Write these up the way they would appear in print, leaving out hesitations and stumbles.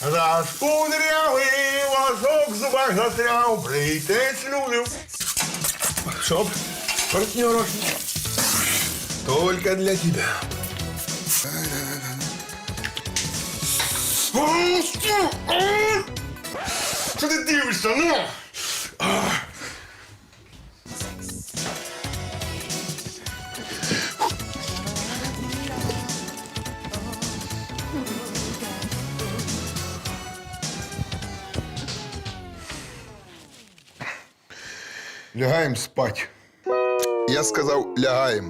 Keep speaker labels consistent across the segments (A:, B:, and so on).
A: Раз кудрявий ложок в зубах застряв, плетець людям. Чтоб, партнеров, только для тебя. Что ты дивишься, ну? Лягаем спать. Я сказав, лягаем.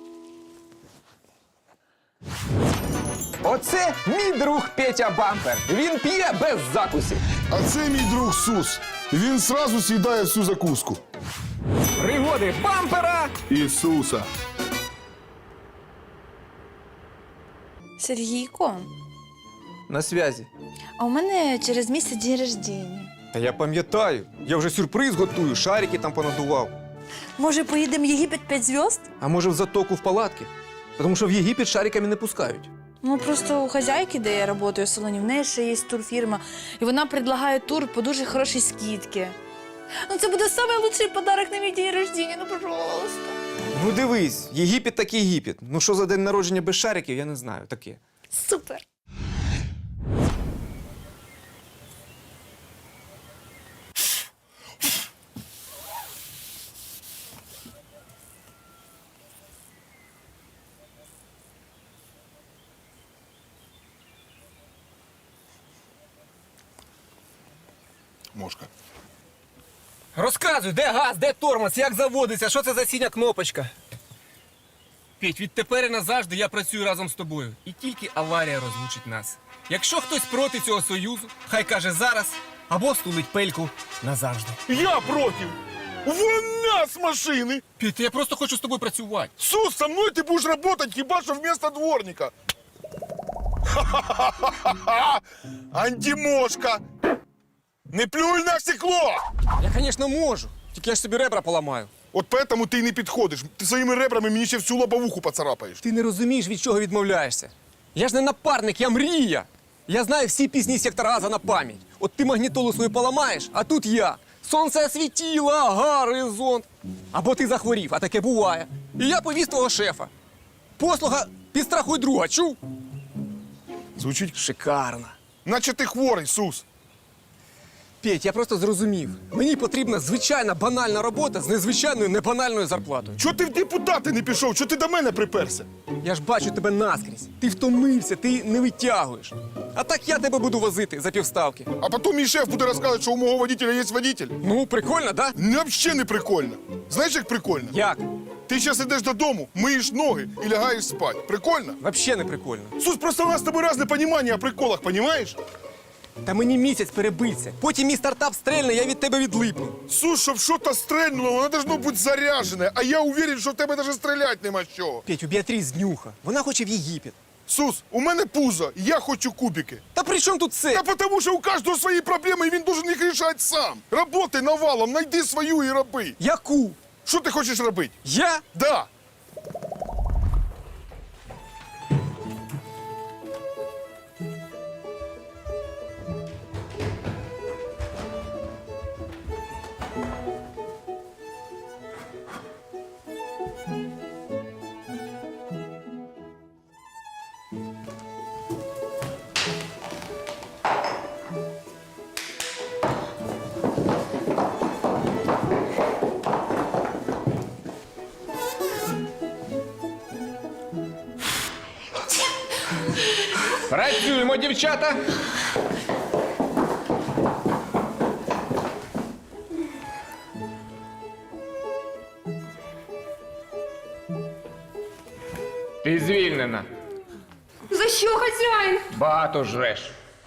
B: Оце мій друг Петя Бампер. Він п'є без закусів.
C: А це мій друг Сус. Він сразу з'їдає всю закуску.
B: Пригоди Бампера.
C: Ісуса.
D: Сергійко,
B: На зв'язі.
D: а у мене через місяць день рождення.
B: Та я пам'ятаю. Я вже сюрприз готую, шарики там понадував.
D: Може, поїдемо в Єгипет 5 зв'язд?
B: А може в затоку в палатки? Тому що в Єгипет шариками не пускають.
D: Ну, просто у хазяйки, де я працюю в салоні, в неї ще є турфірма, і вона предлагає тур по дуже хорошій скидці. Ну, це буде найкращий подарок на мій день рождення, ну, пожалуйста.
B: Ну дивись, Єгипет так Єгипет. Ну що за день народження без шариків, я не знаю, таке.
D: Супер.
C: Мошка.
B: Розказуй, де газ, де тормоз, як заводиться, що це за синя кнопочка?
E: Петь, відтепер і назавжди я працюю разом з тобою. І тільки аварія розлучить нас. Якщо хтось проти цього союзу, хай каже зараз або стулить пельку назавжди.
C: Я проти. Вон нас машини.
E: Петь, я просто хочу з тобою працювати.
C: Сус, со мною ти будеш працювати хіба що вместо дворника. Ха-ха-ха-ха-ха! Антимошка. Не плюй на стекло.
B: Я, звісно, можу. Тільки я ж собі ребра поламаю.
C: От поэтому ти й не підходиш. Ти своїми ребрами мені ще всю лобовуху поцарапаєш.
B: Ти не розумієш, від чого відмовляєшся. Я ж не напарник, я мрія. Я знаю всі пісні сектора Газа на пам'ять. От ти магнітолу свою поламаєш, а тут я. Сонце освітіло, горизонт. Або ти захворів, а таке буває. І я повіз твого шефа. Послуга підстрахуй друга, чув?
C: Звучить,
B: Шикарно.
C: наче ти хворий, Сус.
B: Петь, я просто зрозумів. Мені потрібна звичайна банальна робота з незвичайною небанальною зарплатою.
C: Чого ти в депутати не пішов? Чого ти до мене приперся?
B: Я ж бачу тебе наскрізь. Ти втомився, ти не витягуєш. А так я тебе буду возити за півставки.
C: А потім мій шеф буде розказувати, що у мого водителя є водитель.
B: Ну, прикольно, да?
C: Взагалі не прикольно. Знаєш, як прикольно?
B: Як?
C: Ти зараз йдеш додому, миєш ноги і лягаєш спати. Прикольно?
B: Вообще не прикольно.
C: Сус, просто у нас з тобою різне розуміння о приколах, понімаєш?
B: Та мені місяць перебиться. Потім мій стартап стрельне, я від тебе відлипну.
C: Сус, щоб щось стрельнуло, воно должно бути заряджене. А я уверен, що в тебе навіть стріляти нема з чого.
B: Петь, у Біатріс днюха. Вона хоче в Єгипет.
C: Сус, у мене пузо, я хочу кубики.
B: Та при чому тут це?
C: Та тому що у кожного свої проблеми, і він должен їх рішати сам. Работай навалом, знайди свою і роби.
B: Яку?
C: Що ти хочеш робити?
B: Я?
C: Да.
B: Працюємо, дівчата.
F: Ти звільнена.
G: За що, хазяїн?
F: Багато жреш.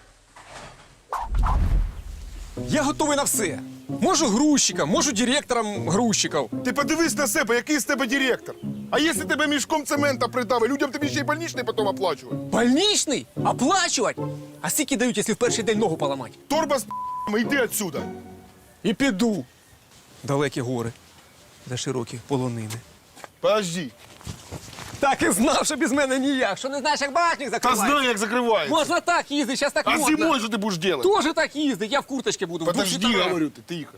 B: Я готовий на все. Можу грузчиком, можу директором грузчиків.
C: Ти подивись на себе, який з тебе директор. А якщо тебе мішком цемента придавить, людям тобі ще й больничний потім оплачувати.
B: Больничний? Оплачувати? А скільки дають, якщо в перший день ногу поламати?
C: Торба з п***ми, йди отсюда.
B: І піду. Далекі гори, за широкі полонини.
C: Подожди.
B: Так і знав, що без мене ніяк. Що не знаєш, як багажник
C: Та
B: закривається?
C: знаю, як закривається.
B: Можна так їздити, зараз так
C: А
B: модно.
C: зимою що ти будеш робити?
B: Тоже так їздить, я в курточці буду. в душі
C: Подожди,
B: товар.
C: говорю, ти тихо.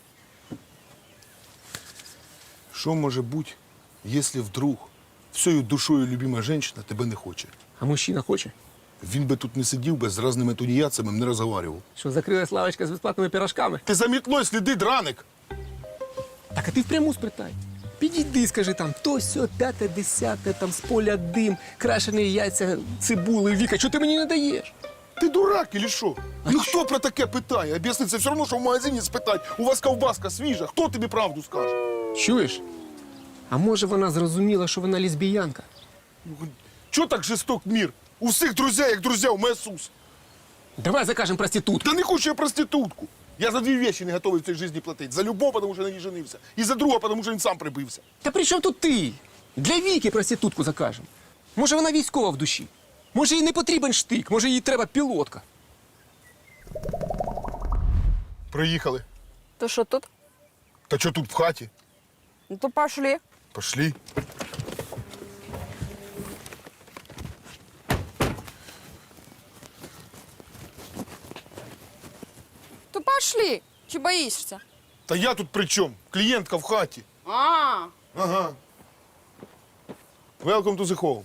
C: Що може бути, якщо вдруг всею душою любима жінка тебе не хоче?
B: А мужчина хоче?
C: Він би тут не сидів би, з різними тунеядцями не розговорював.
B: Що, закрилась лавочка з безплатними пирожками?
C: Ти за мітлою сліди, драник.
B: Так, а ти впряму спитай. Підійди, скажи там, то сьо, п'яте, десяте, там з поля дим, крашені яйця, цибули, Віка, що ти мені не даєш?
C: Ти дурак или що? Ну хто про таке питає? Об'ясни, це все одно, що в магазині спитать, у вас ковбаска свіжа, хто тобі правду скаже?
B: Чуєш? А може вона зрозуміла, що вона лесбіянка?
C: Чого так жесток мір? У всіх друзі, як друзі, у мене Сус.
B: Давай закажемо проститутку.
C: Та не хочу я проститутку. Я за дві речі не готовий в цій житті платити. За любов, тому що на ній женився. І за друга, тому що він сам прибився.
B: Та при чому тут ти? Для Віки проститутку закажемо. Може вона військова в душі? Може їй не потрібен штик, може їй треба пілотка.
C: Приїхали.
G: То що тут?
C: Та що тут в хаті?
G: Ну то пошли.
C: Пошли.
G: То пошли. Чи боїшся?
C: Та я тут при чому? Клієнтка в хаті.
G: А,
C: Ага. Welcome to the home.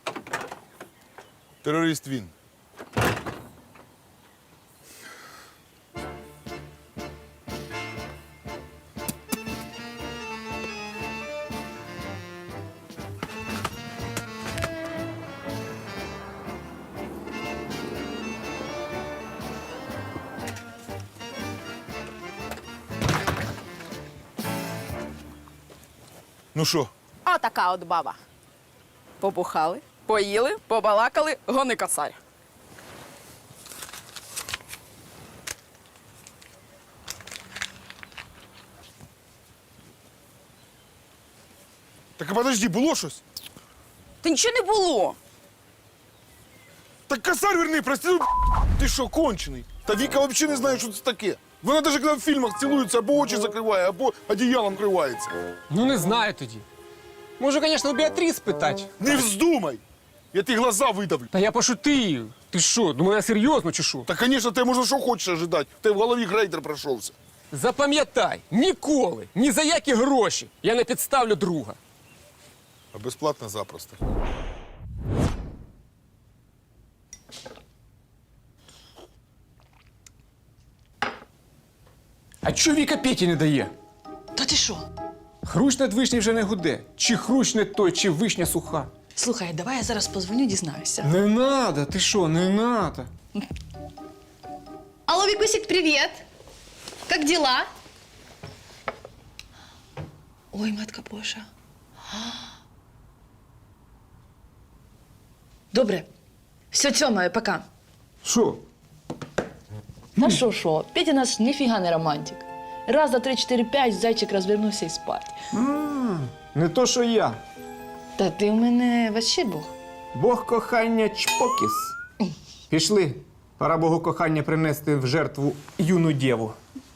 C: Терорист він. Ну що?
G: отака от баба. Побухали, поїли, побалакали, гони косарь.
C: Так а подожди, було щось?
G: Та нічого не було.
C: Так косарь верни, прости, ти що, кончений? Та Віка взагалі не знає, що це таке. Вона навіть коли в фільмах цілується, або очі закриває, або одіялом кривається.
B: Ну не знаю тоді. Може, звісно, у Біатріс питати.
C: Не вздумай! Я ті глаза видавлю.
B: Та я пошутив. Ти що, думаю, я серйозно чи що?
C: Та, звісно, ти можна що хочеш ожидати. Ти в голові грейдер пройшовся.
B: Запам'ятай, ніколи, ні за які гроші я не підставлю друга.
C: А безплатно запросто.
B: А чого Віка Петі не дає?
H: Та ти що?
B: Хрущ над вишні вже не гуде. Чи хрущ не той, чи вишня суха.
H: Слухай, давай я зараз позвоню, дізнаюся.
B: Не надо, ти що, не надо.
D: Алло, Викусик, привет! Как дела?
H: Ой, матка Божа. Добре. Все, Тьома, пока.
B: Що?
H: Та що? Петя наш ніфіга не романтик. Раз, два, три, чотири, п'ять, зайчик розвернувся і спать.
B: Не то, що я.
H: Та ти в мене вообще Бог.
B: Бог кохання чпокіс. Пішли. Пора Богу кохання принести в жертву юну дєву.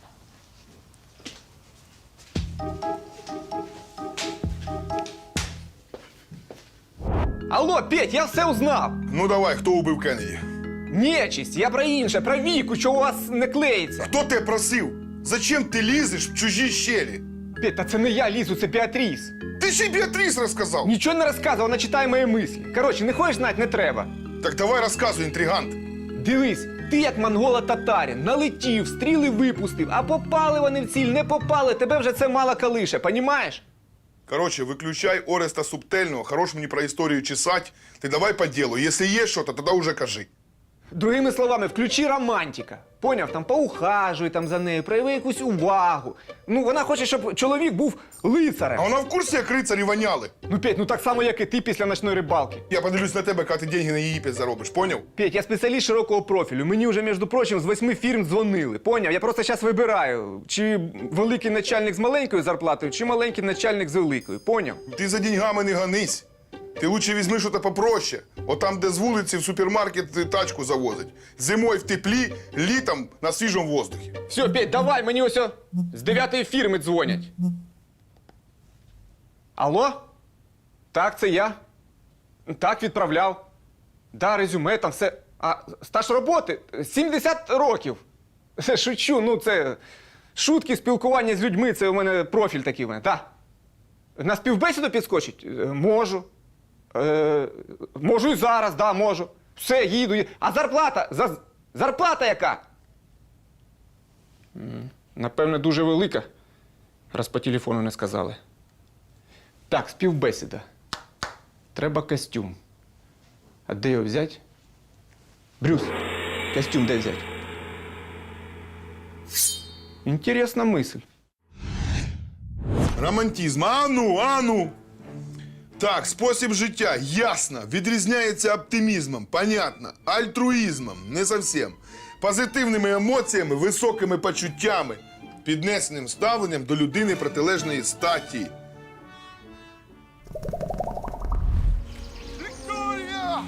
B: Алло, Петь, я все узнав.
A: Ну давай, хто убив Кеннеді?
B: Нечисть, я про інше, про Віку, що у вас не клеїться.
A: Хто тебе просив? Зачем ти лізеш в чужі щелі?
B: Петь, та це не я лізу, це Біатріс.
A: Ти ще й Біатріс розказав.
B: Нічого не розказував, вона читає мої мислі. Коротше, не хочеш знати, не треба.
A: Так давай розказуй, інтригант.
B: Дивись, ти як монголо-татарин, налетів, стріли випустив, а попали вони в ціль, не попали, тебе вже це мало калише, понімаєш?
A: Короче, выключай Ореста Субтельного, хорош мені про історію чесать. Ти давай по ділу. Якщо є щось, тоді уже кажи.
B: Другими словами, включи романтика. Поняв, там поухажуй там за нею, прояви якусь увагу. Ну, вона хоче, щоб чоловік був лицарем.
A: А вона в курсі, як рицарі воняли?
B: Ну, Петь, ну так само, як і ти після ночної рибалки.
A: Я подивлюсь на тебе, коли ти деньги на Єгипет заробиш, поняв?
B: Петь, я спеціаліст широкого профілю. Мені вже, між прочим, з 8 фірм дзвонили. Поняв? Я просто зараз вибираю, чи великий начальник з маленькою зарплатою, чи маленький начальник з великою. Поняв?
A: Ти за деньгами не гонись. Ти лучше візьми щось попроще. От там, де з вулиці в супермаркет тачку завозить. Зимою в теплі, літом на свіжому воздухі.
B: Все, Петь, давай, мені ось з 9-ї фірми дзвонять. Алло? Так, це я. Так, відправляв. Да, резюме, там все. А стаж роботи 70 років. Шучу, ну це шутки, спілкування з людьми, це у мене профіль такий в мене, так. На співбесіду підскочить? Можу. Можу і зараз, да, можу. Все, їду. А зарплата? Зарплата яка? Напевне, дуже велика, раз по телефону не сказали. Так, співбесіда. Треба костюм. А де його взяти? Брюс, костюм де взяти? Інтересна мисль.
A: Романтизм. Ану. Так, спосіб життя, ясно, відрізняється оптимізмом, понятно, альтруїзмом, не зовсім, позитивними емоціями, високими почуттями, піднесеним ставленням до людини протилежної статі. Вікторія!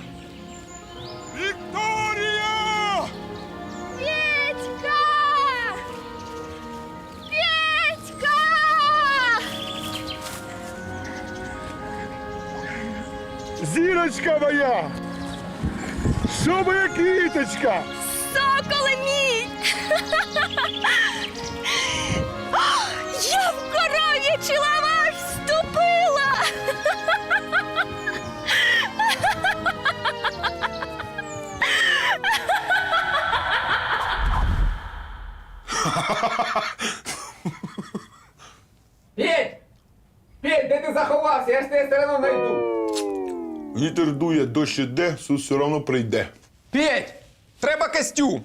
A: Вікторія!
D: Петька! Петька!
C: Зірочка моя! Що моя квіточка?
D: Соколе мій! Я в коров'ячий лаваш вступила!
B: Петь! Петь, де ти заховався? Я ж тебе все одно знайду.
A: Вітер дує, дощ іде, Сус все одно прийде.
B: Петь! Треба костюм!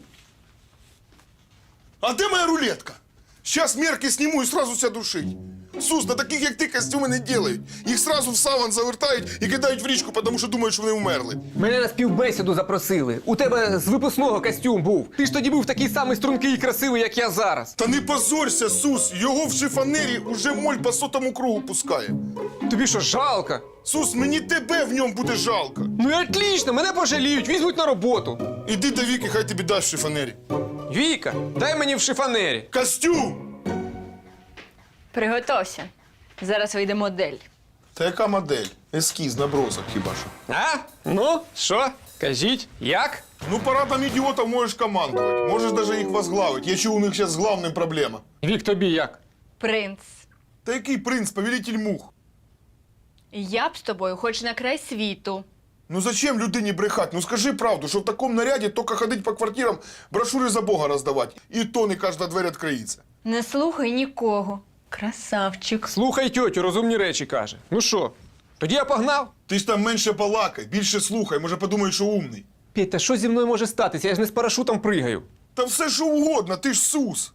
A: А де моя рулетка? Сейчас мерки сниму і сразу ся душить. Сус, на таких, як ти, костюми не делають. Їх сразу в саван завертають і кидають в річку, тому що думають, що вони вмерли.
B: Мене на співбесіду запросили. У тебе з випускного костюм був. Ти ж тоді був такий самий стрункий і красивий, як я зараз.
A: Та не позорься, Сус, його в шифонері уже моль по сотому кругу пускає.
B: Тобі що, жалко?
A: Сус, мені тебе в ньому буде жалко.
B: Ну і отлично, мене пожаліють, візьмуть на роботу.
A: Іди до Віки, хай тобі дасть в шифонері.
B: Віка, дай мені в шифонері.
A: Костюм!
I: Приготовся. Зараз вийде модель.
A: Та яка модель? Ескіз, набросок хіба що.
B: А? Ну, що? Кажіть, як?
A: Ну, парадом ідіотів можеш командувати. Можеш навіть їх возглавити. Я чув, у них зараз з главним проблема.
B: Вік, тобі як?
I: Принц.
A: Та який принц, повелитель мух?
I: Я б з тобою хоч на край світу.
A: Ну зачем людині брехать? Ну скажи правду, що в такому наряді тільки ходить по квартирам, брошури за Бога роздавати. І то не кожна двері відкриється.
I: Не слухай нікого. Красавчик.
B: Слухай тьотю, розумні речі каже. Ну що, тоді я погнав?
A: Ти ж там менше балакай, більше слухай, може подумають, що умний.
B: Петь, та що зі мною може статися? Я ж не з парашутом пригаю.
A: Та все що угодно, ти ж Сус.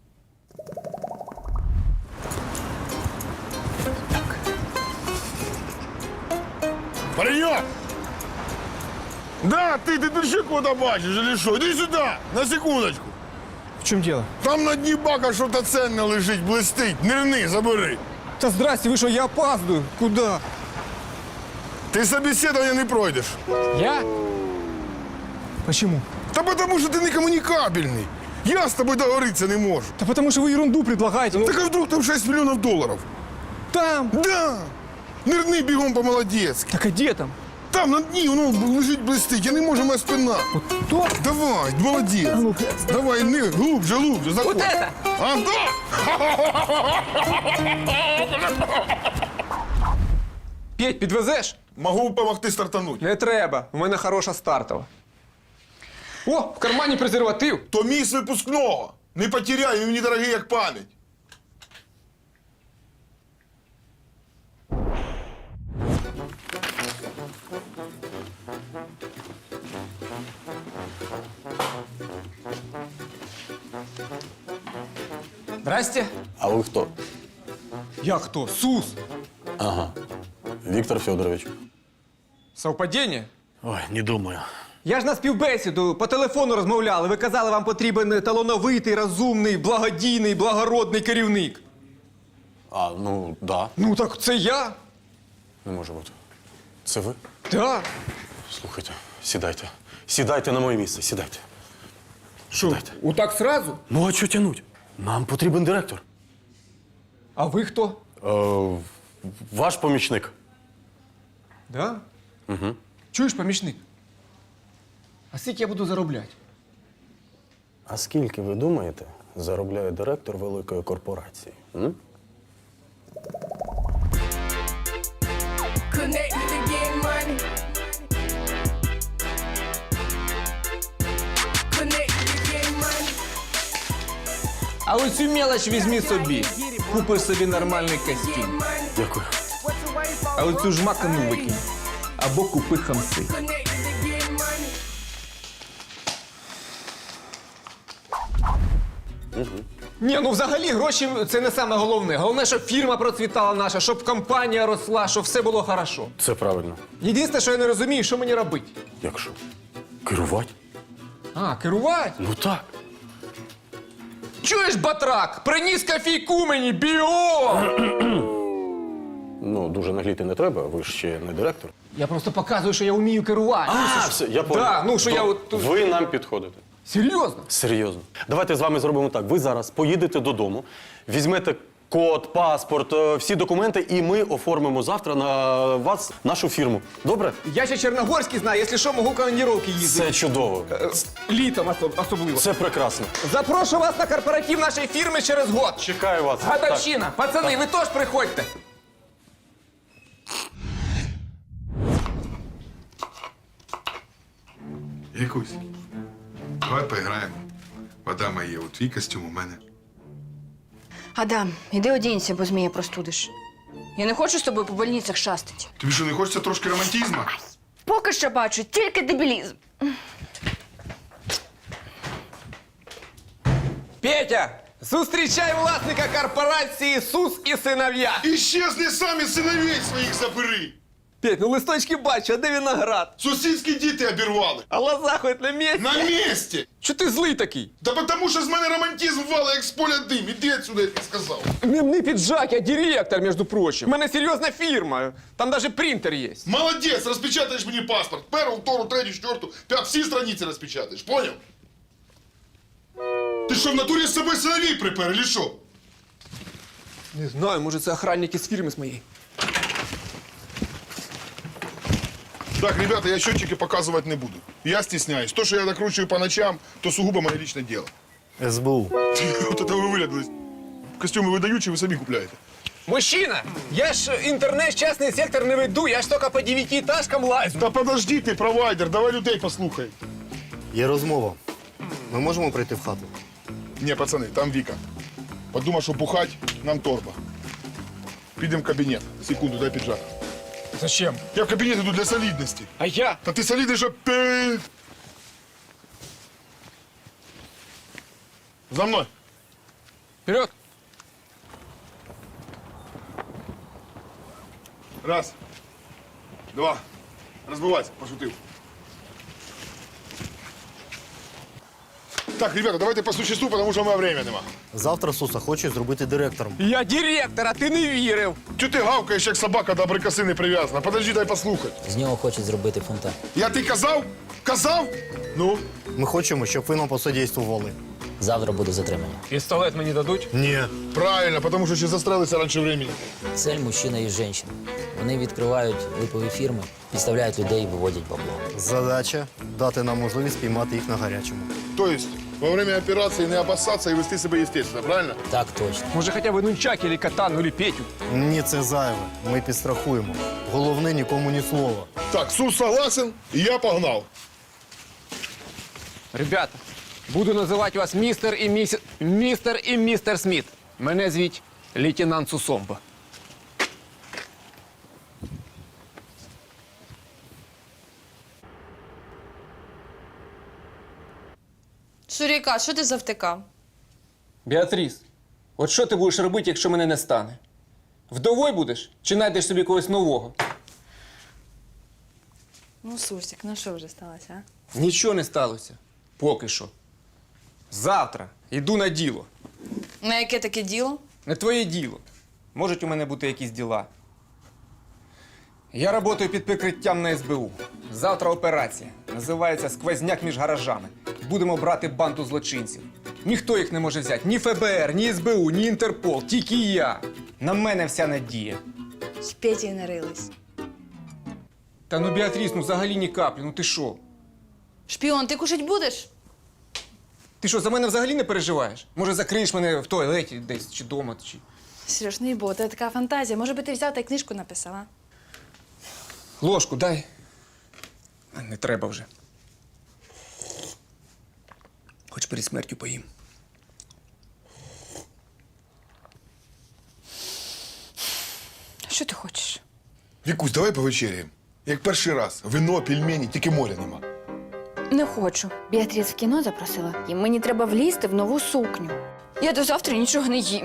A: Паренек! Да, ты тут куда бачиш, или що? Іди сюди, на секундочку.
B: В чому діло?
A: Там на дні бака що-то ценне лежить, блистить. Нирни, забери.
B: Та здрасте, ви що, я опаздую. Куди?
A: Ти собеседування не пройдеш.
B: Я? Почему?
A: Та потому що ти не комунікабельний. Я з тобою договоритися не можу.
B: Да потому что вы ерунду предлагаете. Ну,
A: Так а вдруг там 6 мільйонів доларів?
B: там.
A: Да! Нирни бігом по-молодецьки.
B: Так а где там?
A: Там на дні воно лежить блистить, я не можу, моя спина.
B: То?
A: Давай, молодець. Давай, не, глубже, заходь.
B: Вот это?
A: А, да!
B: Петь, підвезеш?
A: Могу допомогти стартануть.
B: Не треба. У мене хороша стартова. О, в кармані презерватив.
A: То мій з випускного. Не потеряй, він мені дорогий, як пам'ять.
B: Здрасте.
J: А вы кто?
B: Я хто? Сус.
J: Ага. Виктор Федорович.
B: Совпадіння?
J: Ой, не думаю.
B: Я ж на співбесіду по телефону розмовляли. Ви казали, вам потрібен талановитий, розумний, благодійний, благородний керівник.
J: А, ну, да.
B: Ну так це я.
J: Не може бути. Це ви?
B: Так.
J: Слухайте, сідайте. Сідайте на моє місце, сідайте.
B: Що,
J: Сідайте.
B: отак сразу?
J: Ну, а що тянуть? Нам потрібен директор.
B: А ви хто?
J: Ваш помічник.
B: Да?
J: Угу.
B: Чуєш, помічник? А скільки я буду заробляти?
J: А скільки, ви думаєте, заробляє директор великої корпорації? М?
E: А оцю мелоч візьми собі. Купиш собі нормальний костюм.
J: Дякую.
E: А оцю жмакану викинь. Або купи хамси.
B: Ні, ну взагалі гроші це не саме головне. Головне, щоб фірма процвітала наша, щоб компанія росла, щоб все було хорошо.
J: Це правильно.
B: Єдине, що я не розумію, що мені робити.
J: Якщо? Керувати?
B: А, керувати?
J: Ну так.
B: Чуєш, батрак? Приніс кофійку мені, біо!
J: Ну, дуже нагліти не треба, ви ж ще не директор.
B: Я просто показую, що я вмію керувати.
J: Все, я понял.
B: Да, ну, що я
J: То
B: от тут-
J: Ви нам підходите.
B: Серйозно?
J: Серйозно. Давайте з вами зробимо так. Ви зараз поїдете додому, візьмете код, паспорт, всі документи, і ми оформимо завтра на вас нашу фірму. Добре?
B: Я ще Чорногорський знаю, якщо що, можу командировки їздити.
J: Це чудово.
B: Літом особливо.
J: Це прекрасно.
B: Запрошу вас на корпоратив нашої фірми через год.
J: Чекаю вас.
B: Годовщина. Пацани, ви теж приходьте.
A: Якусь. Давай поіграємо. Вода моя, от твій костюм у мене.
I: Адам, іди одінься, бо змія простудиш. Я не хочу з тобою по больницях шастати.
A: Тобі що, не хочеться трошки романтизму?
I: Поки що бачу тільки дебілізм.
B: Петя, зустрічай власника корпорації «Сус і синов'я».
A: Іщезни самі синовей своїх забери!
B: Петь, ну листочки бачу, а де виноград?
A: Сусідські діти обірвали.
B: А лоза хоч на місці?
A: На місці!
B: Чого ти злий такий?
A: Та потому що з мене романтизм вала, як з поля дим. Іди отсюда, я тобі сказав.
B: Не піджак, я директор, між прочим. У мене серйозна фірма, там навіть принтер є.
A: Молодець, розпечатаєш мені паспорт. Першу, втору, третю, четверту, п'яту, всі страниці розпечатаєш, поняв? Ти що, в натурі з собою синовей припер, или що?
B: Не знаю, може це охранники з фірми з моєї.
A: Так, ребята, я счетчики показывать не буду. Я стесняюсь. То, что я накручиваю по ночам, то сугубо мое личное дело.
C: СБУ.
A: Вот это вы вылядались. Костюмы выдаючие, вы сами купляете.
B: Мужчина, я ж інтернет, частний сектор не веду, я ж тільки по 9-этажкам лазю.
A: Та подожди ты, провайдер, давай людей послухай.
C: Є розмова. Ми можемо прийти в хату?
A: Не, пацаны, там Вика. Подумай, что бухать, нам торба. Підем в кабинет. Секунду, дай пиджак.
B: Зачем?
A: Я в кабинет иду для солидности.
B: А я?
A: Та ты солидный, что ты... За мной.
B: Вперед!
A: Раз. Два. Разбывайся, пошутил. Так, ребята, давайте по существу, потому что у меня времени нема.
C: Завтра Суса хоче зробити директором.
B: Я директор, а ти не вірив.
A: Чого ти гавкаєш, як собака до абрикоси не прив'язана? Подожди, дай послухати.
K: З нього хочуть зробити фонтан.
A: Я ти казав? Казав? Ну?
C: Ми хочемо, щоб ви нам посодействували.
K: Завтра буде затримання.
B: Пістолет мені дадуть?
C: Ні.
A: Правильно, тому що ще застрелися раніше времени.
K: Цель мужчина і жінка. Вони відкривають липові фірми, підставляють людей і виводять бабло.
C: Задача дати нам можливість піймати їх на гарячому.
A: Тобто, во время операції не опасатися і вести себе естественно, правильно?
K: Так точно.
B: Може, хоча б нунчак, или катану, или Петю.
C: Ні, це зайве. Ми підстрахуємо. Головне нікому ні слова.
A: Так, Сус согласен, і я погнав.
B: Ребята, буду називати вас містер і містер Сміт. Мене звуть лейтенант Сусомба.
D: Шуріка, що ти завтикав?
E: Біатріс, от що ти будеш робити, якщо мене не стане? Вдовою будеш чи знайдеш собі когось нового?
D: Ну, Сурсик, ну що вже сталося, а?
E: Нічого не сталося. Поки що.
B: Завтра йду на діло.
D: На яке таке діло?
B: Не твоє діло. Можуть у мене бути якісь діла. Я працюю під прикриттям на СБУ. Завтра операція. Називається «Сквозняк між гаражами». Будемо брати банду злочинців. Ніхто їх не може взяти. Ні ФБР, ні СБУ, ні Інтерпол. Тільки я. На мене вся надія.
D: З Петєю нарились.
E: Та ну, Біатріс, ну взагалі ні каплі, ну ти що?
D: Шпіон, ти кушать будеш?
E: Ти що, за мене взагалі не переживаєш? Може, закриєш мене в туалеті десь, чи вдома, чи...
D: Сереж, не бо, це така фантазія. Може би ти взяв та й книжку написав, а?
E: Ложку дай. А, не треба вже. Хоч перед смертю поїм.
D: Що ти хочеш?
A: Вікусь, давай повечеряємо. Як перший раз. Вино, пельмені, тільки моря нема.
I: Не хочу. Біатріс в кіно запросила, і мені треба влізти в нову сукню. Я до завтра нічого не їм.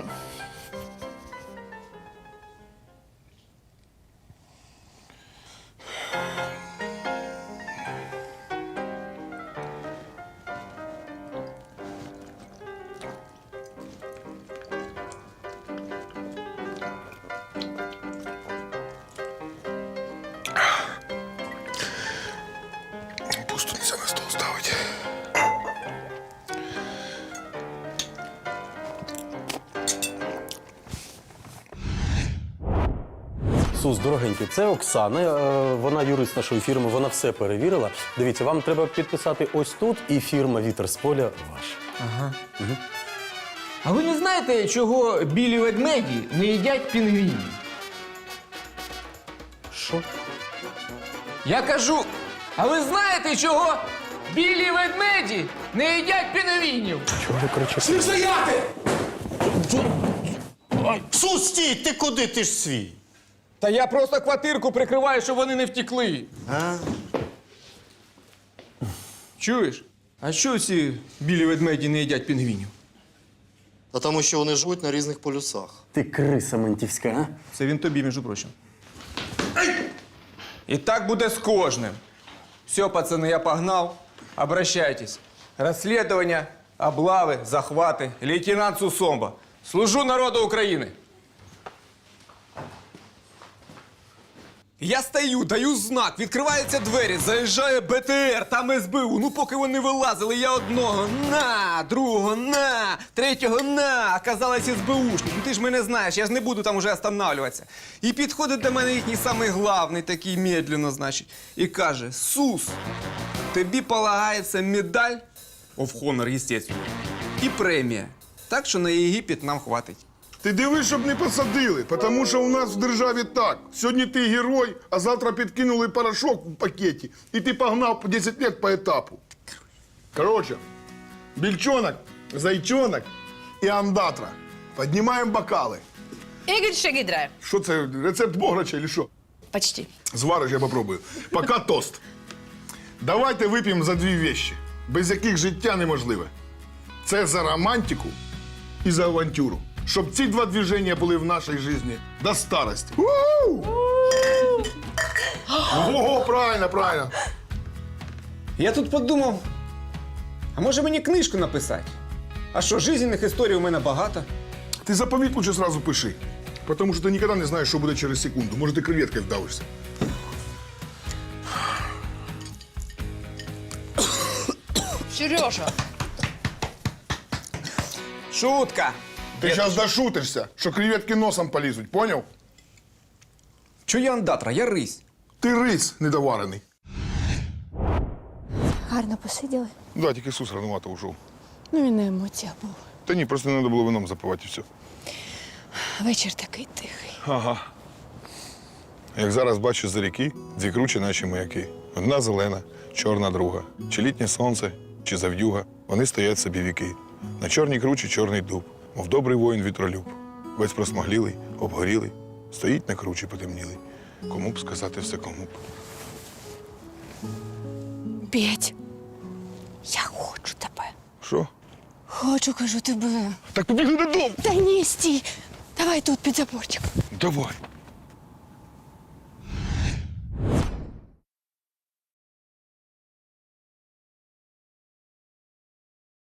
A: Пусто нельзя на стол ставити.
J: Сус, дорогенький, це Оксана, вона юрист нашої фірми, вона все перевірила. Дивіться, вам треба підписати ось тут, і фірма «Вітер з поля» ваша.
E: А ви не знаєте, чого білі ведмеді не їдять пінгвінів?
J: Що?
E: Я кажу, а ви знаєте, чого білі ведмеді не їдять пінгвінів?
J: Чого ви кричите?
E: Стояти!
L: Сус, стій, ти куди? Ти ж свій.
E: Та я просто квартирку прикриваю, щоб вони не втекли.
L: А?
E: Чуєш? А що ці білі ведмеді не їдять пінгвінів?
L: Та тому що вони живуть на різних полюсах.
J: Ти криса ментівська, а?
E: Це він тобі, між прочим. І так буде з кожним. Все, пацани, я погнал. Обращайтесь. Розслідування, облави, захвати. Лейтенант Сусомба. Служу народу України. Я стою, даю знак, відкриваються двері, заїжджає БТР, там СБУ. Ну, поки вони вилазили, я одного на, другого на, третього на. Оказалось СБУшник. Ну ти ж мене знаєш, я ж не буду там уже останавливатися. І підходить до мене їхній самий главний, такий медленно, значить, і каже: Сус, тобі полагається медаль, of honor, естественно, і премія. Так що на Єгипет нам хватить.
A: Ти дивись, щоб не посадили, тому що у нас в державі так. Сьогодні ти герой, а завтра підкинули порошок в пакеті, і ти погнав по 10 років по етапу. Коротше, більчонок, зайчонок і андатра. Піднімаємо бокали.
D: Ігор Шагідра.
A: Що це, рецепт бограча чи що?
D: Почти.
A: Звариш, я попробую. Пока тост. Давайте вип'ємо за дві вещи, без яких життя неможливе. Це за романтику і за авантюру. Щоб ці два движення були в нашій житті до старості. Ого, правильно, правильно.
E: Я тут подумав, а може мені книжку написати? А що, жизненних історій у мене багато.
A: Ти заповіт лучше сразу пиши. Тому що ти ніколи не знаєш, що буде через секунду. Може, ти креветкою вдавишся.
D: Сережа.
E: Шутка.
A: Ти зараз дошутишся, що креветки носом полізуть, поняв?
E: Чого я андатра? Я рись.
A: Ти рис недоварений.
I: Гарно посиділи.
A: Да, тільки Ісус рановато ушов.
I: Ну, він на емоціях був.
A: Та ні, просто не треба було вином запивати і все.
I: Вечір такий тихий.
A: Ага. Як зараз бачу за ріки, дві кручі наші маяки. Одна зелена, чорна друга. Чи літнє сонце, чи зав'юга. Вони стоять собі віки. На чорній кручі чорний дуб, мов добрий воїн вітролюб. Весь просмаглілий, обгорілий, стоїть на кручі потемнілий. Кому б сказати все, кому б.
I: Петь, я хочу тебе.
A: Що?
I: Хочу, кажу, тебе.
A: Так побігли додому!
I: Та ні, стій. Давай тут під заборчик.
A: Давай.